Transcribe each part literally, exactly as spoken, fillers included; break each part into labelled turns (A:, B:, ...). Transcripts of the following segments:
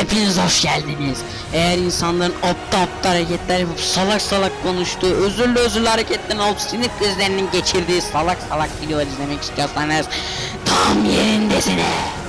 A: hepiniz hoş geldiniz. Eğer insanların aptal aptal hareketler yapıp salak salak konuştuğu, özürlü özürlü hareketlerin olup sinir krizlerinin geçirdiği salak salak videolar izlemek istiyorsanız tam yerindesiniz.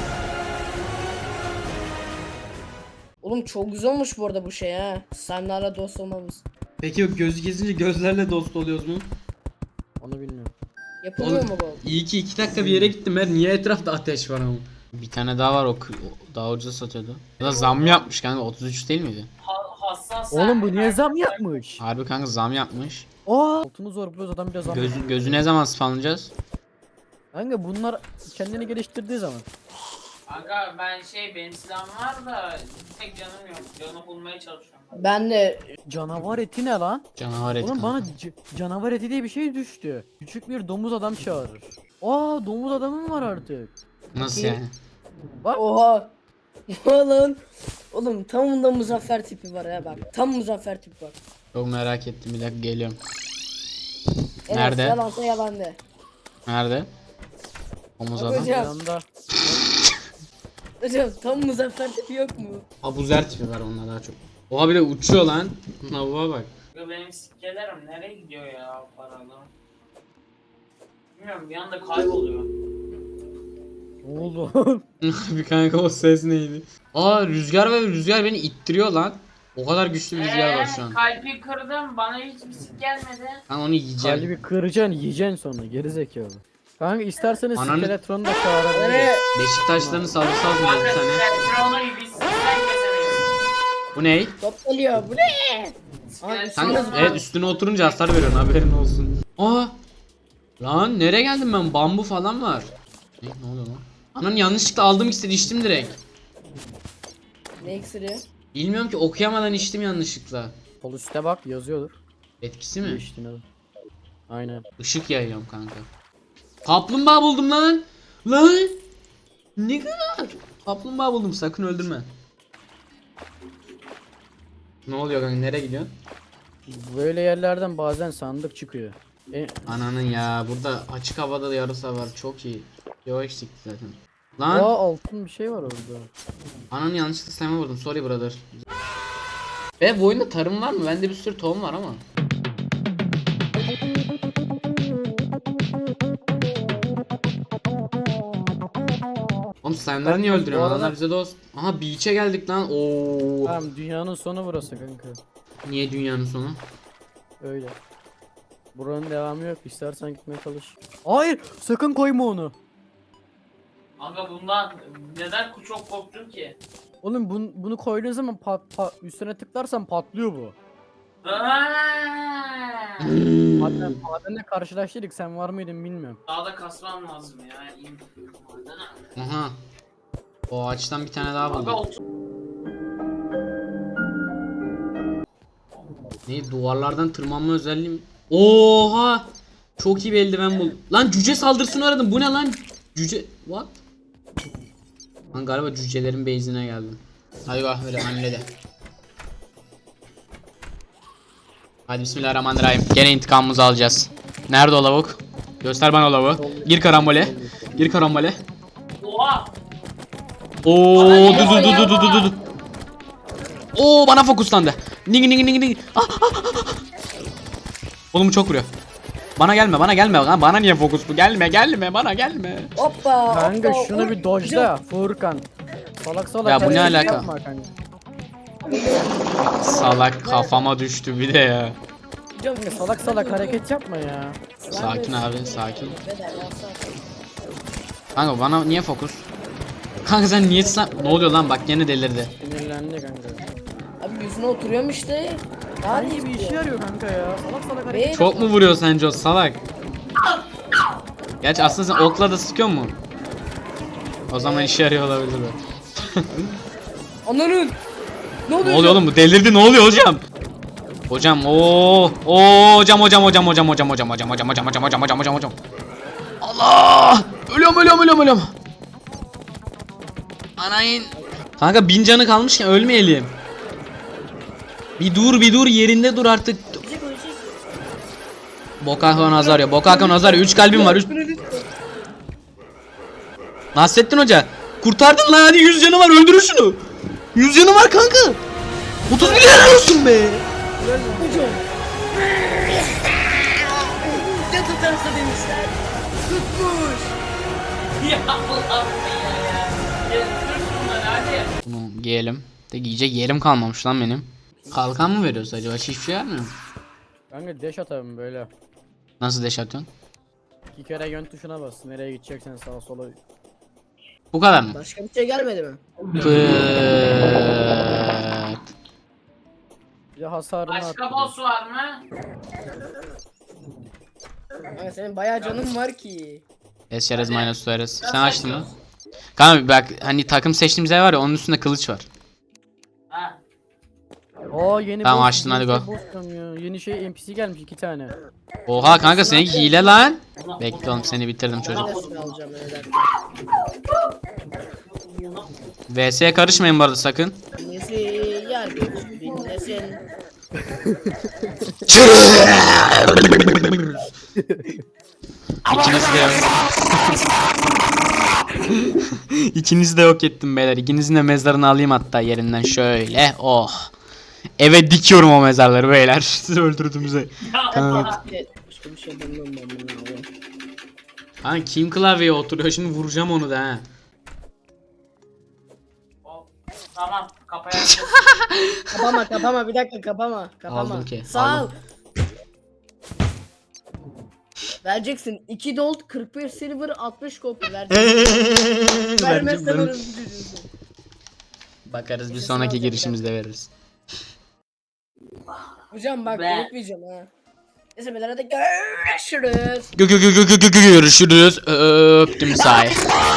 B: Oğlum çok güzel olmuş bu arada bu şey ha. Senlerle dost olmamız.
C: Peki o gözü kesince gözlerle dost oluyoruz mu?
D: Onu bilmiyorum.
B: Yapılıyor
C: Oğlum,
B: mu bu?
C: İyi ki iki dakika bir yere gittim ben. Niye etrafta ateş var ama?
A: Bir tane daha var, o, o daha ucuza satıyordu. Ya da zam yapmış kanka, otuz üç değil miydi?
E: Hassas.
D: Oğlum bu niye zam yapmış?
A: Harbi kanka zam yapmış.
D: Aa! Altını zor buluyoruz adam biraz zam.
A: Göz, gözü ne zaman spawnlayacağız?
D: Kanka bunlar kendini geliştirdiği zaman.
E: Aga ben şey benim silahım var da tek canım yok. Canı bulmaya çalışıyorum.
B: Ben de
D: Canavar eti ne lan?
A: Canavar et
D: Oğlum
A: kanka.
D: bana c- canavar eti diye bir şey düştü. Küçük bir domuz adam çağırır. Aa domuz adamım var artık.
A: Nasıl yani?
B: oha. Oha lan. Oğlum tam da Muzaffer tipi var ya bak. Tam Muzaffer tipi var.
A: Çok merak ettim, bir dakika geliyorum.
B: Evet,
A: Nerede?
B: yalansa yalan de.
A: Nerede? Omuz adam.
B: Hocam.
D: Yanında.
B: Hocam tam Muzaffer tipi yok mu?
A: Abuzer tipi var onda daha çok. Oha bir de uçuyor lan. Lavuğa bak.
E: Aga benim sikkelerim nereye gidiyor ya paralı? Bilmiyorum bir anda kayboluyor.
D: Ne oldu?
A: Bir kanka o ses neydi? Aa rüzgar ve rüzgar beni ittiriyor lan. O kadar güçlü bir rüzgar var şu an.
E: Kalbi kırdım bana hiçbir sik gelmedi.
A: Ben onu yiyeceğim.
D: Kalbi kıracaksın yiyeceksin sonra geri zekalı. Kanka isterseniz
A: Ananı-
D: skeletronu da çağırabiliriz.
B: Nereye?
A: Beşiktaşların saldırısı almıyor bir
E: Aga
A: tane.
E: Petrol'u biz sizden kesemeyiz.
A: Bu ne?
B: Top geliyor. Bu ne?
E: İskelet
A: Kanka
E: silahı
A: evet
E: var.
A: üstüne oturunca hasar veriyorsun, haberin olsun. Aa! Lan nereye geldim ben? Bambu falan var. Ne, ne oluyor lan? Anan yanlışlıkla aldım ikisini, içtim direkt.
B: Ne iksiri?
A: Bilmiyorum ki, okuyamadan içtim yanlışlıkla.
D: Sol üstte bak yazıyordur.
A: Etkisi mi?
D: Geçtiğin adı. Aynen.
A: Işık yayıyorum kanka. Kaplumbağa buldum lan. Lan. Ne kadar? Kaplumbağa buldum, sakın öldürme. Ne oluyor kanka, nereye gidiyorsun?
D: Böyle yerlerden bazen sandık çıkıyor. E,
A: Ananın ya, burada açık havada da yarısı var, çok iyi. Yo eksikti zaten.
D: aa
A: Lan
D: altın bir şey var orada.
A: ananı yanlışlıkla sayma vurdum, sorry brother. Ve bu oyunda tarım var mı? Bende bir sürü tohum var ama. Oğlum slime'ları niye
D: Kanka,
A: öldürüyorsun?
D: bu arada-
A: Onlar bize dost. Aha beach'e geldik lan. Oo.
D: Tamam dünyanın sonu burası kanka.
A: Niye dünyanın sonu?
D: Öyle. Buranın devamı yok. İstersen gitmeye çalış. Hayır, sakın koyma onu.
E: Aga bundan neden çok korktun ki?
D: Oğlum bunu, bunu koyduğun zaman pat, pat, üstüne tıklarsan patlıyor bu.
E: Aaaa!
D: Maden, madenle karşılaştık. Sen var mıydın bilmiyorum.
E: Daha da kasmam lazım ya. İyi bir madene.
A: Aha. O ağaçtan bir tane daha
E: Aga
A: buldum.
E: otur.
A: Ne, duvarlardan tırmanma özelliği mi? Oha! Çok iyi bir eldiven buldum. Lan cüce saldırısını aradım. Bu ne lan? Cüce what? Lan galiba cücelerin base'ine geldim. Hadi bak öyle annede. Hadi bismillahirrahmanirrahim. Gene intikamımızı alacağız. Nerede o lavuk? Göster bana o lavuğu. Gir karambole. Gir karambole.
E: Oha!
A: Oo du du du du du du du. Oo bana fokuslandı. Ning ning ning ning. Ah, ah, ah, ah. Oğlum bu çok vuruyor. Bana gelme, bana gelme. Lan bana niye fokus bu? Gelme, gelme, bana gelme.
B: Hoppa.
D: Kanka
B: hoppa,
D: şunu bir
B: hop.
D: dojla Furkan. Salak salak.
A: Ya bu ne
D: hareket
A: alaka?
D: yapma kanka.
A: Salak kafama düştü bir de ya.
B: Hocam,
D: Kanka salak salak hareket yapma ya.
A: Sakin abi, sakin.
B: Beder, yapsana.
A: Kanka bana niye fokus? Kanka sen niye sen... Ne oluyor lan, bak gene delirdi.
D: Sinirlendi kanka.
B: Abi yüzüne oturuyorum işte. Daha
D: Hangi bir işe yarıyor kanka ya? Salak salak hareket.
B: Be-
A: Çok mu vuruyor sence o salak? Gerçi aslında sen okla da sıkıyor mu? O zaman işe yarıyor olabilir be.
B: Ananın. Ne oluyor?
A: Ne oluyor oğlum, bu delirdi, ne oluyor hocam? Hocam ooo ooo hocam hocam hocam hocam hocam hocam hocam hocam hocam hocam hocam hocam hocam hocam. Allah! Ölüyorum ölüyorum ölüyorum ölüyorum. Anayın. Kanka bin canı kalmışken ölmeyelim. Bir dur bir dur yerinde dur artık. Bokaka Nazario, Bokaka Nazario, üç kalbim var. üç Nasrettin Hoca kurtardın lan, hadi yüz canı var, öldürün şunu. yüz yanı var kanka. otuz milyon olsun be.
B: Hocam. Ya tutarsa demişler. Tutmuş.
E: Ya Allah'ım ya ya. Ya dur şunları hadi.
A: Bunu giyelim. De giyecek yerim kalmamış lan benim. Kalkan mı veriyoruz acaba? Hiçbir şey vermiyor mu?
D: Kanka dash atalım böyle.
A: Nasıl deş atıyorsun?
D: İki kere yön tuşuna bas. Nereye gideceksen sağa sola.
A: Bu kadar mı?
B: Başka bir şey gelmedi mi?
A: Pıt.
D: Bir de hasarını
E: Başka
D: arttırıyor.
E: boss var mı?
B: Ama senin bayağı canın var ki.
A: Eşeriz minus tuarız. Sen açtın mı? Kanka bak hani takım seçtiğimiz yer var ya onun üstünde kılıç var.
E: Ha.
D: Aa yeni
A: Tamam,
D: boss,
A: açtın,
D: yeni
A: hadi
D: şey
A: go.
D: boss diyorum ya. Yeni şey N P C gelmiş iki tane.
A: Oha kanka seninki hile lan. Bekle oğlum seni bitirdim çocuk.
B: Ben de silah alacağım öyle derken.
A: V S'ye karışmayın bu arada sakın.
B: Nesi yer bir dinlesin.
A: İkinizi de yok. İkinizi de yok ettim beyler. İkinizin de mezarını alayım hatta yerinden şöyle. Oh. Eve dikiyorum o mezarları beyler. Sizi öldürdüğümüze.
B: Başka bir şey bilmiyorum ben bunu abi.
A: Hani kim klavyeye oturuyor şimdi vuracağım onu da ha.
E: Hop. Tamam kapaya.
B: Kapama kapama bir dakika kapama. Kapama.
A: Aldım ki,
B: Sağ ol.
A: aldım.
B: Vereceksin. iki gold, kırk bir silver, altmış copper vereceksin. Vermezsen orası çocuğusun.
A: Bakarız bir
B: Sesini
A: sonraki
B: alacağım,
A: girişimizde veririz.
B: Hocam bak
E: Be.
B: unutmayacağım ha. Neyse beyler hadi görüşürüz.
A: Gö gö gö gö gö gö gö görüşürüz. Öptüm say.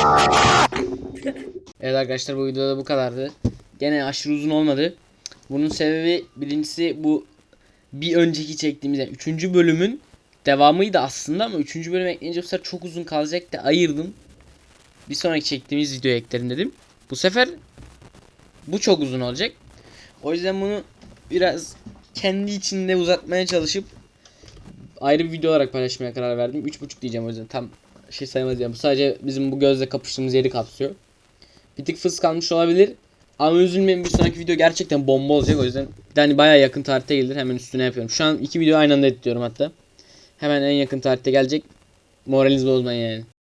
A: Evet arkadaşlar bu videoda bu kadardı. Gene aşırı uzun olmadı. Bunun sebebi birincisi bu bir önceki çektiğimiz yani üçüncü bölümün devamıydı aslında ama üçüncü bölüm ekleyince bu sefer çok uzun kalacak da ayırdım. Bir sonraki çektiğimiz videoya eklerim dedim. Bu sefer bu çok uzun olacak. O yüzden bunu biraz kendi içinde uzatmaya çalışıp ayrı bir video olarak paylaşmaya karar verdim. üç buçuk diyeceğim o yüzden tam şey sayamaz yani. Bu sadece bizim bu gözle kapıştığımız yeri kapsıyor. Bir tık fıs kalmış olabilir. Ama üzülmeyin bir sonraki video gerçekten bomba olacak. O yüzden bir tane bayağı yakın tarihte gelir. Hemen üstüne yapıyorum. Şu an iki video aynı anda editliyorum hatta. Hemen en yakın tarihte gelecek. Moralinizi bozmayın yani.